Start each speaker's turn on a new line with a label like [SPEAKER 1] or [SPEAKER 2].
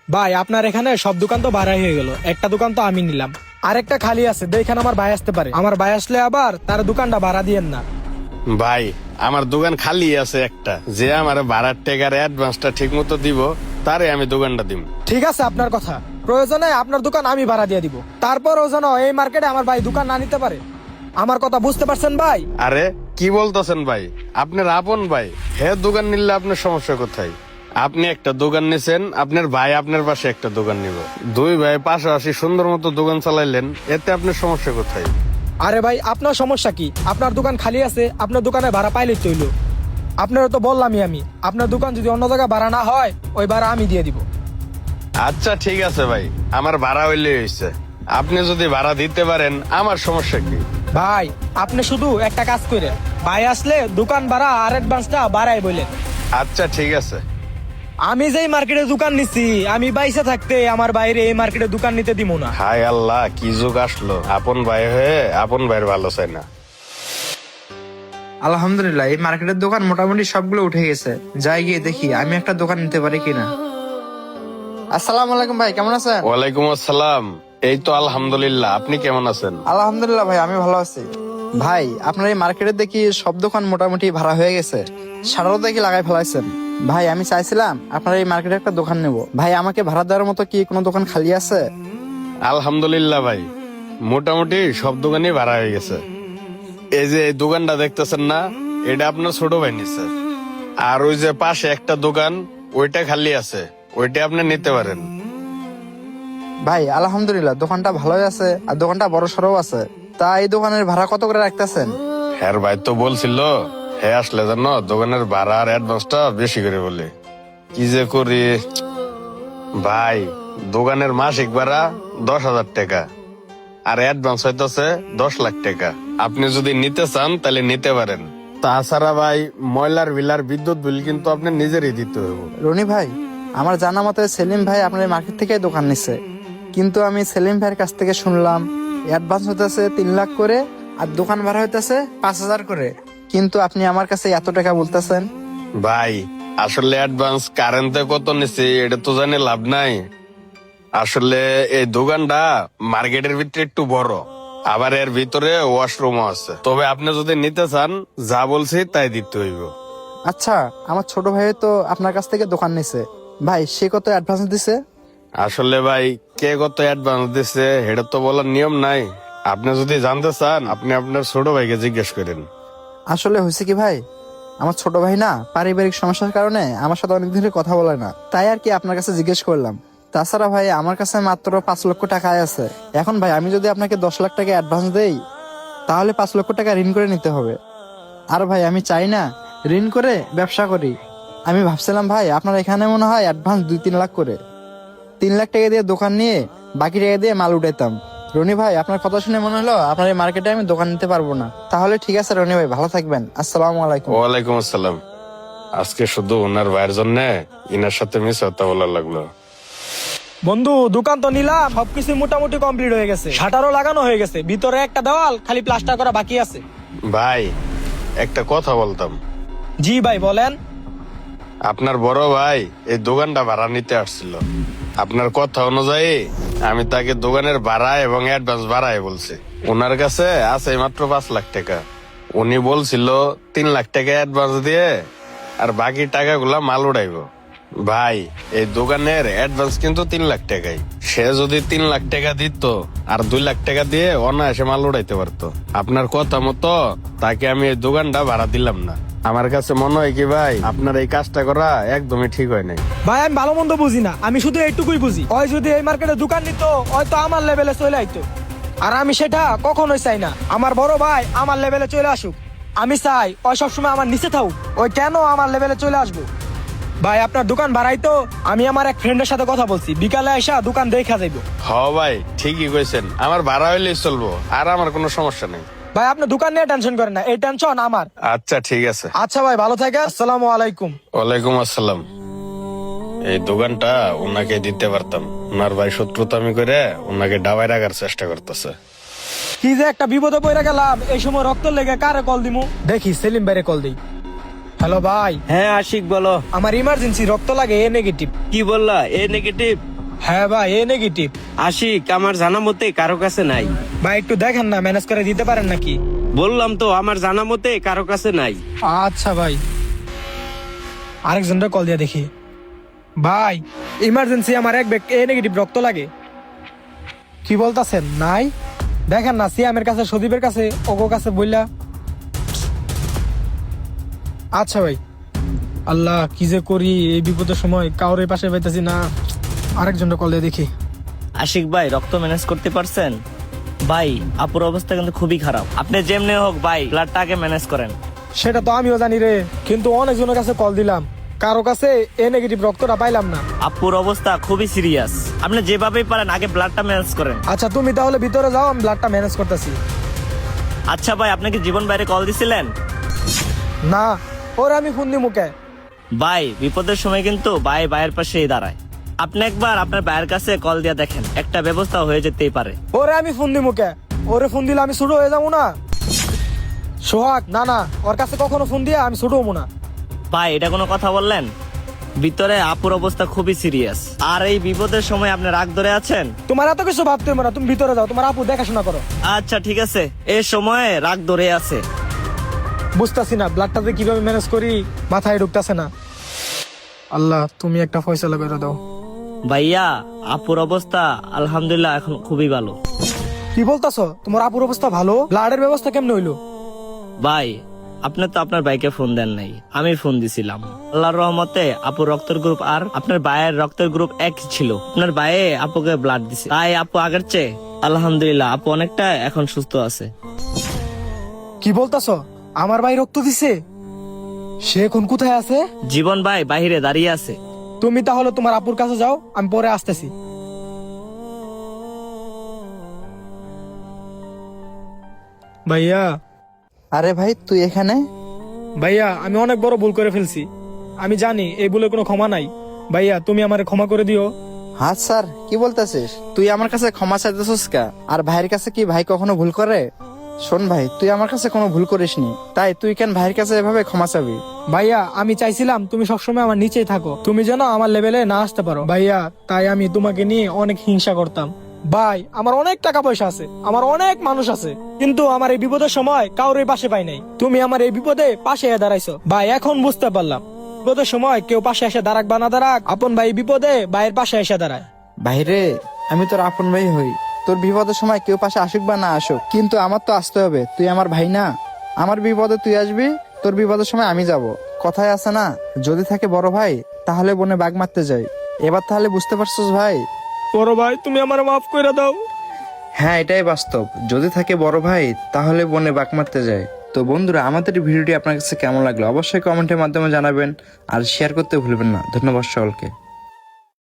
[SPEAKER 1] ভাই আপনার এখানে সব দোকান তো ভাড়াই হয়ে গেল, একটা দোকান তো আমি নিলাম, আরেকটা খালি আছে, দেখেন আমার ভাই আসতে পারে, আমার ভাই আসলে আবার তার দোকানটা ভাড়া দিয়েন না।
[SPEAKER 2] ভাই আমার দোকান খালি আছে একটা, যে আমার ভাড়ার টাকার অ্যাডভান্সটা ঠিক মতো দিব তারে আমি দোকানটা দিব।
[SPEAKER 1] ঠিক আছে আপনার কথা, প্রয়োজনে আপনার দোকান আমি ভাড়া দিয়ে দিব, তারপরও যেন এই মার্কেটে আমার ভাই দোকান না নিতে পারে। আমার কথা বুঝতে পারছেন ভাই?
[SPEAKER 2] আরে কি বলতেছেন ভাই, আপনার আপন ভাই, হে দোকান নিলে আপনার সমস্যা কোথায়? আপনি একটা দোকান নিছেন, আপনার ভাই আপনার পাশে একটা দোকান নিব, দুই ভাই পাশাপাশি সুন্দর মতো দোকান চালাইলেন, এতে আপনার সমস্যা কোথায়?
[SPEAKER 1] আরে ভাই আপনার সমস্যা কি? আপনার দোকান খালি আছে, আপনার দোকানে ভাড়া পাইলেই তো হইলো। আপনারও তো বললামই আমি, আপনার দোকান যদি অন্য জায়গায় ভাড়া না হয় ওই ভাড়া আমি দিয়ে দিব।
[SPEAKER 2] আচ্ছা ঠিক আছে ভাই, আমার ভাড়া হইলে হয়েছে, আপনি যদি ভাড়া দিতে পারেন আমার সমস্যা কি?
[SPEAKER 1] ভাই আপনি শুধু একটা কাজ করেন, ভাই আসলে দোকান ভাড়া আর অ্যাডভান্সটা বাড়াই বলেন।
[SPEAKER 2] আচ্ছা ঠিক আছে।
[SPEAKER 1] আমি যেই মার্কেটে দোকান নিছি, আমি বাইসে থাকতে আমার বাইরে এই মার্কেটে দোকান নিতে দিব না।
[SPEAKER 2] হায় আল্লাহ, কি যুগ আসলো, আপন ভাই হয়ে আপন ভাইয়ের ভালো চাই না।
[SPEAKER 3] আলহামদুলিল্লাহ, এই মার্কেটের দোকান মোটামুটি সবগুলো উঠে গেছে। যাই গিয়ে দেখি আমি একটা দোকান নিতে পারি কিনা। আসসালামু আলাইকুম ভাই, কেমন আছেন?
[SPEAKER 2] ওয়ালাইকুম আসসালাম, এই তো আলহামদুলিল্লাহ, আপনি কেমন আছেন?
[SPEAKER 3] আলহামদুলিল্লাহ ভাই, আমি ভালো আছি। ভাই আপনার এই মার্কেটে দেখি সব দোকান মোটামুটি ভাড়া হয়ে গেছে, সারাও দেখি লাগাই ফেলাইছেন। ভাই আমি চাইছিলাম আপনার এই মার্কেটে একটা দোকান নেব। ভাই আমাকে ভাড়া দেওয়ার মতো কি কোনো দোকান খালি আছে?
[SPEAKER 2] আলহামদুলিল্লাহ ভাই, মোটামুটি সব দোকানই ভাড়া হয়ে গেছে। এই যে এই দোকানটা দেখতেছেন না, এটা আপনার ছোট ভাই নিছে, আর ওই যে পাশে একটা দোকান ওইটা খালি আছে, ওইটা আপনি নিতে পারেন।
[SPEAKER 3] ভাই আলহামদুলিল্লাহ, দোকানটা ভালোই আছে আর দোকানটা বড় সড়ও আছে। তা এই দোকানের ভাড়া কত করে রাখতেছেন?
[SPEAKER 2] হ্যাঁ ভাই তো বলছিল, হ্যাঁ আসলে জানো দোকানের ভাড়া আর অ্যাডভান্সটা বেশি করে বলে, কি যে করি ভাই। দোকানের মাসিক ভাড়া 10,000 টাকা আর অ্যাডভান্স হইতেছে 10 লাখ টাকা। আপনি যদি নিতে চান তাহলে নিতে পারেন, তাছাড়া ভাই ময়লার বিল আর বিদ্যুৎ বিল কিন্তু আপনি নিজেরই দিতে হবে।
[SPEAKER 3] রনি ভাই, আমার জানা মতে সেলিম ভাই আপনার এই মার্কেট থেকে দোকান নিচ্ছে, কিন্তু আমি সেলিম ভাইয়ের কাছ থেকে শুনলাম অ্যাডভান্স হইতেছে 3 লাখ করে আর দোকান ভাড়া হইতেছে 5,000 করে, কিন্তু আপনি আমার কাছে এত টাকা বলতেছেন।
[SPEAKER 2] ভাই আসলে অ্যাডভান্স কারেন্টে কত নিছে এটা তো জানি লাভ নাই। আসলে এই দোকানটা মার্কেটের ভিতরে একটু বড়, আবার এর ভিতরে ওয়াশরুমও আছে, তবে আপনি যদি নিতে চান যা বলছি তাই দিতে হইব।
[SPEAKER 3] আচ্ছা, আমার ছোট ভাই তো আপনার কাছ থেকে দোকান নিছে, ভাই সে কত অ্যাডভান্স দিছে?
[SPEAKER 2] আসলে ভাই কে কত অ্যাডভান্স দিছে এটা তো বলার নিয়ম নাই, আপনি যদি জানতে চান আপনি আপনার ছোট ভাইকে জিজ্ঞেস করেন।
[SPEAKER 3] আসলে হয়েছে কি ভাই, আমার ছোট ভাই না পারিবারিক সমস্যার কারণে আমার সাথে অনেক দিনের কথা বলে না, তাই আর কি আপনার কাছে জিজ্ঞেস করলাম। তাছাড়া ভাই আমার কাছে মাত্র 5 লক্ষ টাকা আয় আছে। এখন ভাই আমি যদি আপনাকে 10 লাখ টাকা অ্যাডভান্স দেই তাহলে 5 লক্ষ টাকা ঋণ করে নিতে হবে। আর ভাই আমি চাই না ঋণ করে ব্যবসা করি। আমি ভাবছিলাম ভাই আপনার এখানে মনে হয় অ্যাডভান্স 2-3 লাখ করে, 3 লাখ টাকা দিয়ে দোকান নিয়ে বাকি টাকা দিয়ে মাল উঠাইতাম। রনি ভাই আপনার কথা শুনে মনে হলো আপনার এই মার্কেটে আমি দোকান নিতে পারবো না। তাহলে ঠিক আছে রনি ভাই, ভালো থাকবেন। আসসালামু আলাইকুম।
[SPEAKER 2] ওয়ালাইকুম আসসালাম। আজকে শুধু ওনার ভাইয়ের জন্য ইনার সাথে মিস হতে বলার লাগলো।
[SPEAKER 1] বন্ধু দোকান তো নিলাম, সবকিছু মোটামুটি কমপ্লিট হয়ে গেছে, শাটারও লাগানো হয়ে গেছে, ভিতরে একটা দেওয়াল খালি প্লাস্টার করা বাকি আছে।
[SPEAKER 2] ভাই একটা কথা বলতাম।
[SPEAKER 1] জি ভাই বলেন।
[SPEAKER 2] আপনার বড় ভাই এই দোকানটা ভাড়া নিতে আসছিল, আপনার কথা অনুযায়ী আমি তাকে দোকানের ভাড়া এবং অ্যাডভান্স ভাড়াই বলছি। ওনার কাছে আছে মাত্র 5 লাখ টাকা, উনি বলছিল 3 লাখ টাকা অ্যাডভান্স দিয়ে আর বাকি টাকাগুলা মাল উড়াইব। ভাই এই দোকানের অ্যাডভান্স কিন্তু 3 লাখ টাকাই, সে যদি 3 লাখ টাকা দিত আর 2 লাখ টাকা দিয়ে অনায়াসে মাল উড়াইতে পারতো। আপনার কথা মতো তাকে আমি এই দোকানটা ভাড়া দিলাম না। আমার কাছে মনে হয় কি ভাই, আপনার এই কাজটা করা একদমই ঠিক হয় নাই।
[SPEAKER 1] ভাই আমি ভালো মন্দ বুঝি না, আমি শুধু এইটুকুই বুঝি, ওই যদি এই মার্কেটে দোকান নিত হয়তো আমার লেভেলে চলে আইতো, আর আমি সেটা কখনোই চাই না। আমার বড় ভাই আমার লেভেলে চলে আসুক, আমি চাই ওই সবসময় আমার নিচে থাকুক, ওই কেন আমার লেভেলে চলে আসবো। ভাই আপনার দোকান ভাড়াই তো, আমি আমার এক ফ্রেন্ডের সাথে কথা বলছি, বিকালে এসে দোকান দেখা যাইব।
[SPEAKER 2] হ ভাই ঠিকই কইছেন, আমার ভাড়া হইলেই চলবো, আর আমার কোনো সমস্যা নেই।
[SPEAKER 1] ভাই আপনি দোকান নিয়ে টেনশন করেন না, এই টেনশন আমার।
[SPEAKER 2] আচ্ছা ঠিক আছে।
[SPEAKER 1] আচ্ছা ভাই ভালো থাকে, আসসালামু আলাইকুম।
[SPEAKER 2] ওয়ালাইকুম আসসালাম। এই দোকানটা ওনাকে দিতে পারতাম, ওনার ভাই শত্রুতামি করে ওনাকে ডাবাই রাখার চেষ্টা করতেছে।
[SPEAKER 1] কি যে একটা বিপদে পড়ে গেলাম, এই সময় রক্ত লেগে কারে কল দিমু, দেখি সেলিম ভাইরে কল দিই। হ্যালো ভাই।
[SPEAKER 4] হ্যাঁ আশিক বলো।
[SPEAKER 1] আমার ইমার্জেন্সি রক্ত লাগে, এ নেগেটিভ।
[SPEAKER 4] কি বললা? A negative?
[SPEAKER 1] হ্যাঁ ভাই এ নেগেটিভ।
[SPEAKER 4] আশিক আমার জানা মতে কারো কাছে নাই।
[SPEAKER 1] ভাই একটু দেখেন না, ম্যানেজ করে দিতে পারেন নাকি?
[SPEAKER 4] বললাম তো আমার জানা মতে কারো কাছে নাই।
[SPEAKER 1] আচ্ছা ভাই, আরেকজনটা কল দিয়ে দেখি। ভাই ইমার্জেন্সি আমার এক ব্যাগ এ নেগেটিভ রক্ত লাগে। কি বলতাছেন? নাই? দেখেন না, সিয়ামের কাছে, সদীপের কাছে, ওগো কাছে বললা। আচ্ছা ভাই। আল্লাহ কি যে করি এই বিপদের সময়, কাউরে পাশে পাইতেছি না। আরেকজনটা কল দিয়ে দেখি।
[SPEAKER 5] আশিক ভাই রক্ত ম্যানেজ করতে পারছেন? ভাই আপুর অবস্থা কিন্তু খুবই খারাপ, আপনি যেমনি হোক ভাই ব্লাডটা আগে ম্যানেজ করেন।
[SPEAKER 1] সেটা তো আমিও জানি রে, কিন্তু অনেকজনের কাছে কল দিলাম, কারো কাছে এ নেগেটিভ রক্তটা পাইলাম না।
[SPEAKER 5] আপুর অবস্থা খুবই সিরিয়াস, আপনি যেভাবেই পারেন আগে ব্লাডটা ম্যানেজ করেন।
[SPEAKER 1] আচ্ছা তুমি তাহলে ভিতরে যাও, আমি ব্লাডটা ম্যানেজ করতেছি।
[SPEAKER 5] আচ্ছা ভাই, আপনাকে জীবন বাইরে কল দিছিলেন?
[SPEAKER 1] না, ওরে আমি ফোন দি মুখে।
[SPEAKER 5] ভাই বিপদের সময় কিন্তু ভাই ভাইয়ের পাশেই দাঁড়ায়, আপনি একবার আপনার ভাইয়ের কাছে কল দিয়ে দেখেন, একটা ব্যবস্থা হয়ে যেতেই পারে।
[SPEAKER 1] ওরে আমি ফোন দি মুখে, ওরে ফোন দিলে আমি ছোট হয়ে যাবো না? সোহাগ, না না, ওর কাছে কখনো ফোন দিয়ে আমি ছোট হবো না।
[SPEAKER 5] ভাই এটা কোনো কথা বললেন? ভিতরে আপুর অবস্থা খুবই সিরিয়াস, আর এই বিপদের সময় আপনি রাগ ধরে আছেন।
[SPEAKER 1] তোমার এত কিছু ভাবতে হবে না, তুমি ভিতরে যাও, তোমার আপু দেখাশোনা করো।
[SPEAKER 5] আচ্ছা ঠিক আছে, এই সময়ে রাগ ধরে আছে।
[SPEAKER 1] বুঝতেছি না ব্লাডটাতে কিভাবে ম্যানেজ করি, মাথায় ঢুকতেছে না। আল্লাহ তুমি একটা ফয়সালা করে দাও।
[SPEAKER 5] ভাইয়া আপুর অবস্থা আলহামদুলিল্লাহ এখন খুবই ভালো।
[SPEAKER 1] কি বলতাছো? তোমার আপুর অবস্থা ভালো? ব্লাডের ব্যবস্থা কেমনে হইলো?
[SPEAKER 5] ভাই আপনি তো আপনার ভাইকে ফোন দেন নাই, আমি ফোন দিছিলাম। আল্লাহর রহমতে আপুর রক্তের গ্রুপ আর আপনার ভাইয়ের রক্তের গ্রুপ এক ছিল, আপনার ভাইয়ে আপুকে ব্লাড দিছে, তাই আপু আগের চেয়ে আলহামদুলিল্লাহ আপু অনেকটা এখন সুস্থ আছে।
[SPEAKER 1] কি বলতাছো? আমার ভাই রক্ত দিছে? সে এখন কোথায় আছে?
[SPEAKER 5] জীবন ভাই বাহিরে দাঁড়িয়ে আছে।
[SPEAKER 1] তুমি তাহলে তোমার আপুর কাছে যাও, আমি পরে আসতেছি। ভাইয়া,
[SPEAKER 3] আরে ভাই তুই এখানে?
[SPEAKER 1] ভাইয়া আমি অনেক বড় ভুল করে ফেলছি, আমি জানি এই ভুলের কোনো ক্ষমা নাই। ভাইয়া তুমি আমারে ক্ষমা করে দিও।
[SPEAKER 3] হ্যাঁ স্যার, কি বলতেছিস? তুই আমার কাছে ক্ষমা চাইতেছিস কা? আর ভাইয়ের কাছে কি ভাই কখনো ভুল করে? শোন ভাই, তুই আমার কাছে কোনো ভুল করিসনি, তাই তুই কেন ভাইয়ের কাছে এভাবে ক্ষমা চাবি?
[SPEAKER 1] ভাইয়া আমি চাইছিলাম তুমি সবসময় আমার নিচেই থাকো, তুমি যেন আমার লেভেলে না আসতে পারো ভাইয়া, তাই আমি তোমাকে নিয়ে অনেক হিংসা করতাম। ভাই আমার অনেক টাকা পয়সা আছে, আমার অনেক মানুষ আছে, কিন্তু আমার এই বিপদের সময় কাউরে পাশে পাই নাই। তুমি আমার এই বিপদে পাশে এসে দাঁড়াইছো ভাই, এখন বুঝতে পারলাম বিপদের সময় কেউ পাশে এসে দাঁড়াক বা না দাঁড়াক, আপন ভাই বিপদে ভাইয়ের পাশে এসে দাঁড়ায়।
[SPEAKER 3] ভাইরে, আমি তোর আপন ভাই হই, তোর বিপদের সময় কেউ পাশে আসুক বা না আসুক, কিন্তু আমার তো আসতে হবে, তুই আমার ভাই না? আমার বিপদে তুই আসবি, তোর বিপদের সময় আমি যাব। কথায় আছে না, যদি থাকে বড় ভাই তাহলে বনে বাঘ মারতে যাই। এবার তাহলে বুঝতে পারছিস ভাই?
[SPEAKER 1] বড় ভাই তুমি আমার মাফ করে দাও।
[SPEAKER 3] হ্যাঁ এটাই বাস্তব, যদি থাকে বড় ভাই তাহলে বনে বাঘ মারতে যায়। তো বন্ধুরা, আমাদের ভিডিওটি আপনার কাছে কেমন লাগলো অবশ্যই কমেন্টের মাধ্যমে জানাবেন, আর শেয়ার করতে ভুলবেন না। ধন্যবাদ সকলকে।